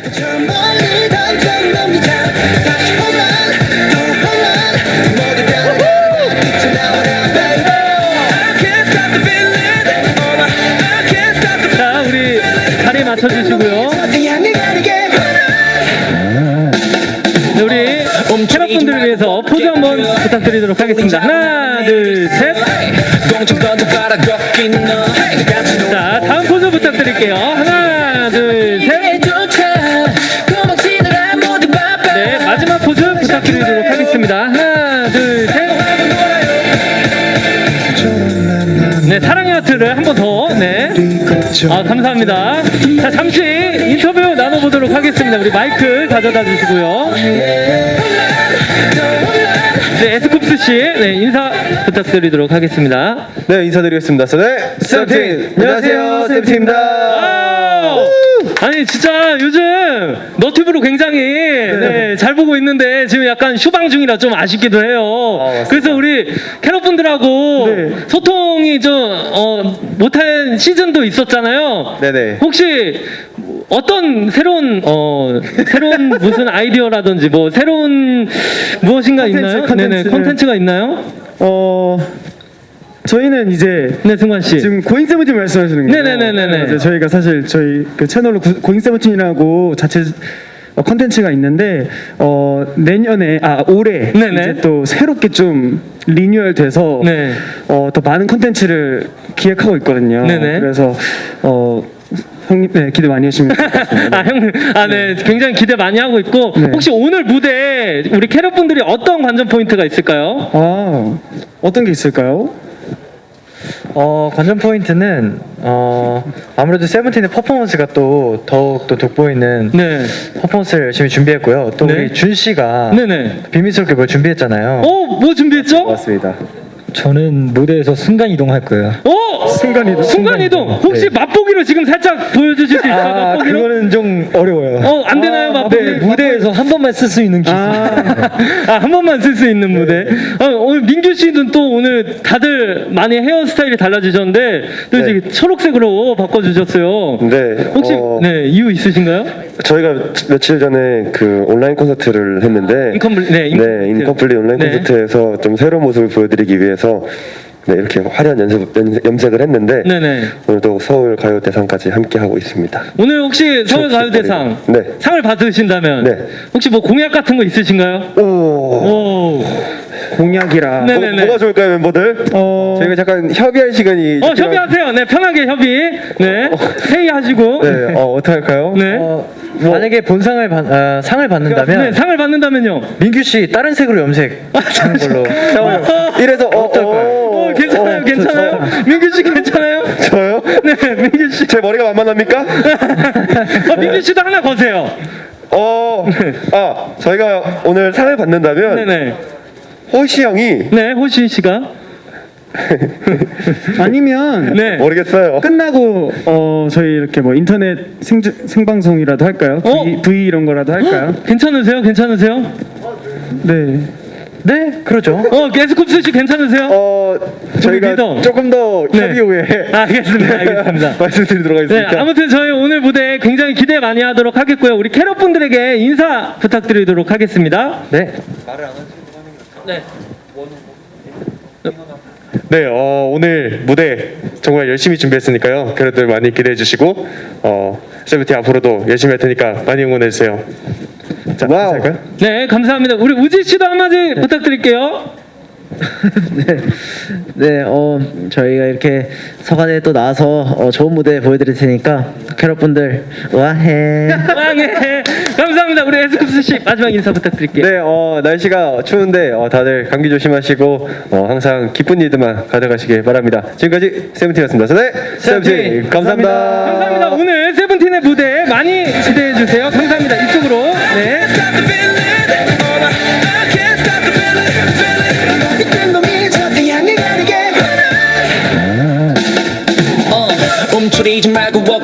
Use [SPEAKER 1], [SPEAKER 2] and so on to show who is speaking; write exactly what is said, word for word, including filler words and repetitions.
[SPEAKER 1] 저 멀리 당장 넘기자 다시 홈런 또 홈런 모두 다 빛이 나와라 baby I can't stop the feeling oh my I can't stop the
[SPEAKER 2] 자, 우리 자리 맞춰주시고요.
[SPEAKER 1] feeling 향해 가는 게
[SPEAKER 2] 네, 우리 캐럿분들을 위해서 포즈 한번 부탁드리도록 하겠습니다. 하나, 둘, 셋. 자, 다음 포즈 부탁드릴게요. 하나, 둘, 셋. 네, 마지막 포즈 부탁드리도록 하겠습니다. 하나, 둘, 셋. 네, 사랑의 하트를 한 번 더. 네. 아, 감사합니다. 자, 잠시 인터뷰 나눠보도록 하겠습니다. 우리 마이크 가져다 주시고요. 네, 에스쿱스 씨, 네, 인사 부탁드리도록 하겠습니다.
[SPEAKER 3] 네, 인사드리겠습니다. 네, 세븐틴. 안녕하세요, 세븐틴입니다.
[SPEAKER 2] 아니 진짜 요즘 너튜브로 굉장히 네, 잘 보고 있는데 지금 약간 휴방 중이라 좀 아쉽기도 해요.
[SPEAKER 3] 아,
[SPEAKER 2] 그래서 우리 캐럿분들하고
[SPEAKER 3] 네.
[SPEAKER 2] 소통이 좀 어, 못한 시즌도 있었잖아요.
[SPEAKER 3] 네네.
[SPEAKER 2] 혹시 어떤 새로운 어 새로운 무슨 아이디어라든지 뭐 새로운 무엇인가
[SPEAKER 4] 콘텐츠,
[SPEAKER 2] 있나요?
[SPEAKER 4] 콘텐츠를-
[SPEAKER 2] 네네 콘텐츠가 있나요?
[SPEAKER 4] 어 저희는 이제
[SPEAKER 2] 네 승관 씨.
[SPEAKER 4] 지금 고잉 세븐틴 말씀하시는 거예요?
[SPEAKER 2] 네네네네네.
[SPEAKER 4] 이제 저희가 사실 저희 그 채널로 구- 고잉 세븐틴이라고 자체 어, 컨텐츠가 있는데 어 내년에 아 올해
[SPEAKER 2] 네네.
[SPEAKER 4] 이제 또 새롭게 좀 리뉴얼돼서
[SPEAKER 2] 네.
[SPEAKER 4] 어, 더 많은 컨텐츠를 기획하고 있거든요.
[SPEAKER 2] 네네.
[SPEAKER 4] 그래서 어 형님 네, 기대 많이 해주시면 좋겠습니다.
[SPEAKER 2] 아, 형, 아, 네. 굉장히 기대 많이 하고 있고,
[SPEAKER 4] 네.
[SPEAKER 2] 혹시 오늘 무대 우리 캐럿분들이 어떤 관전 포인트가 있을까요?
[SPEAKER 4] 아 어떤 게 있을까요?
[SPEAKER 5] 어, 관전 포인트는 어, 아무래도 세븐틴의 퍼포먼스가 또 더욱 또 돋보이는
[SPEAKER 2] 네.
[SPEAKER 5] 퍼포먼스를 열심히 준비했고요. 또
[SPEAKER 2] 네.
[SPEAKER 5] 우리 준 씨가
[SPEAKER 2] 네네.
[SPEAKER 5] 비밀스럽게 뭘 준비했잖아요.
[SPEAKER 2] 어, 뭐 준비했죠?
[SPEAKER 3] 맞습니다.
[SPEAKER 5] 저는 무대에서 순간 이동할 거예요.
[SPEAKER 2] 어!
[SPEAKER 4] 순간이동.
[SPEAKER 2] 순간이동! 혹시
[SPEAKER 5] 네.
[SPEAKER 2] 맛보기로 지금 살짝 보여주실 수 있어요?
[SPEAKER 5] 아,
[SPEAKER 2] 맛보기로?
[SPEAKER 5] 그거는 좀 어려워요.
[SPEAKER 2] 어, 안 되나요, 맛보기?
[SPEAKER 5] 네, 무대에서 한 번만 쓸 수 있는 기술.
[SPEAKER 2] 아, 한 번만 쓸 수 있는 무대. 어, 오늘 민규 씨는 또 오늘 다들 많이 헤어스타일이 달라지셨는데 또
[SPEAKER 3] 네.
[SPEAKER 2] 이제 초록색으로 바꿔주셨어요.
[SPEAKER 3] 네.
[SPEAKER 2] 혹시
[SPEAKER 3] 어,
[SPEAKER 2] 네 이유 있으신가요?
[SPEAKER 3] 저희가 며칠 전에 그 온라인 콘서트를 했는데
[SPEAKER 2] 인컴플- 네, 인컴플리트.
[SPEAKER 3] 인컴플리 온라인
[SPEAKER 2] 네.
[SPEAKER 3] 콘서트에서 좀 새로운 모습을 보여드리기 위해서 네, 이렇게 화려한 연습, 연, 염색을 했는데
[SPEAKER 2] 네네.
[SPEAKER 3] 오늘도 서울 가요대상까지 함께 하고 있습니다.
[SPEAKER 2] 오늘 혹시 서울가요대상
[SPEAKER 3] 네.
[SPEAKER 2] 상을 받으신다면
[SPEAKER 3] 네.
[SPEAKER 2] 혹시 뭐 공약 같은 거 있으신가요?
[SPEAKER 3] 오,
[SPEAKER 2] 오,
[SPEAKER 4] 공약이라.
[SPEAKER 2] 네.
[SPEAKER 3] 뭐,
[SPEAKER 2] 네네네.
[SPEAKER 3] 뭐가 좋을까요, 멤버들?
[SPEAKER 4] 어
[SPEAKER 3] 저희가 잠깐 협의할 시간이
[SPEAKER 2] 어
[SPEAKER 3] 좀
[SPEAKER 2] 협의하세요. 네 편하게 협의. 네 회의하시고.
[SPEAKER 3] 네, 어, 어떻게 할까요?
[SPEAKER 2] 네.
[SPEAKER 5] 어, 만약에 본상을 받, 어, 상을 받는다면
[SPEAKER 2] 네 상을 받는다면요.
[SPEAKER 5] 민규 씨 다른 색으로 염색하는 걸로.
[SPEAKER 3] 잠깐만요. 이래서 어, 어,
[SPEAKER 2] 어 괜찮아요,
[SPEAKER 3] 어,
[SPEAKER 2] 괜찮아요. 민규 씨 괜찮아요?
[SPEAKER 3] 저, 저요?
[SPEAKER 2] 네 민규 씨.
[SPEAKER 3] 제 머리가 만만합니까?
[SPEAKER 2] 어 민규 씨도 하나 거세요.
[SPEAKER 3] 어, 아, 저희가 오늘 상을 받는다면
[SPEAKER 2] 네네.
[SPEAKER 3] 호시 형이
[SPEAKER 2] 네 호시 씨가.
[SPEAKER 4] 아니면
[SPEAKER 2] 네.
[SPEAKER 3] 모르겠어요.
[SPEAKER 4] 끝나고 어 저희 이렇게 뭐 인터넷 생 생방송이라도 할까요?
[SPEAKER 2] 어?
[SPEAKER 4] V, V 이런 거라도 할까요?
[SPEAKER 2] 괜찮으세요? 괜찮으세요?
[SPEAKER 4] 네.
[SPEAKER 5] 네, 그러죠.
[SPEAKER 2] 어 게스쿱스 씨 괜찮으세요?
[SPEAKER 3] 어, 저희가
[SPEAKER 2] 리더.
[SPEAKER 3] 조금 더
[SPEAKER 2] 네.
[SPEAKER 3] 협의 후에
[SPEAKER 2] 알겠습니다, 알겠습니다.
[SPEAKER 3] 말씀드리도록
[SPEAKER 2] 네,
[SPEAKER 3] 하겠습니다.
[SPEAKER 2] 아무튼 저희 오늘 무대 굉장히 기대 많이 하도록 하겠고요. 우리 캐럿분들에게 인사 부탁드리도록 하겠습니다.
[SPEAKER 5] 네.
[SPEAKER 2] 네.
[SPEAKER 3] 네, 어, 오늘 무대 정말 열심히 준비했으니까요. 그래도 많이 기대해 주시고 어, 세븐틴 앞으로도 열심히 할 테니까 많이 응원해 주세요. 자,
[SPEAKER 4] 와우.
[SPEAKER 3] 할까요?
[SPEAKER 2] 네, 감사합니다. 우리 우지 씨도 한마디 부탁드릴게요.
[SPEAKER 6] 네, 어 저희가 이렇게 서간에 또 나와서 어, 좋은 무대 보여드릴 테니까 캐럿분들 와해.
[SPEAKER 2] 네, 감사합니다. 우리 에스쿱스 씨 마지막 인사 부탁드릴게요.
[SPEAKER 3] 네, 어, 날씨가 추운데 어, 다들 감기 조심하시고 어, 항상 기쁜 일들만 가져가시길 바랍니다. 지금까지 세븐틴이었습니다. 네, 세븐틴 감사합니다.
[SPEAKER 2] 감사합니다. 오늘 세븐틴의 무대 많이 기대해 주세요. 감사합니다. 이쪽으로. 네.
[SPEAKER 1] stop the feeling oh my I can't stop the feeling feeling 이끈 놈이 저한테 향해 가는 게 어, 움츠리지 말고 walk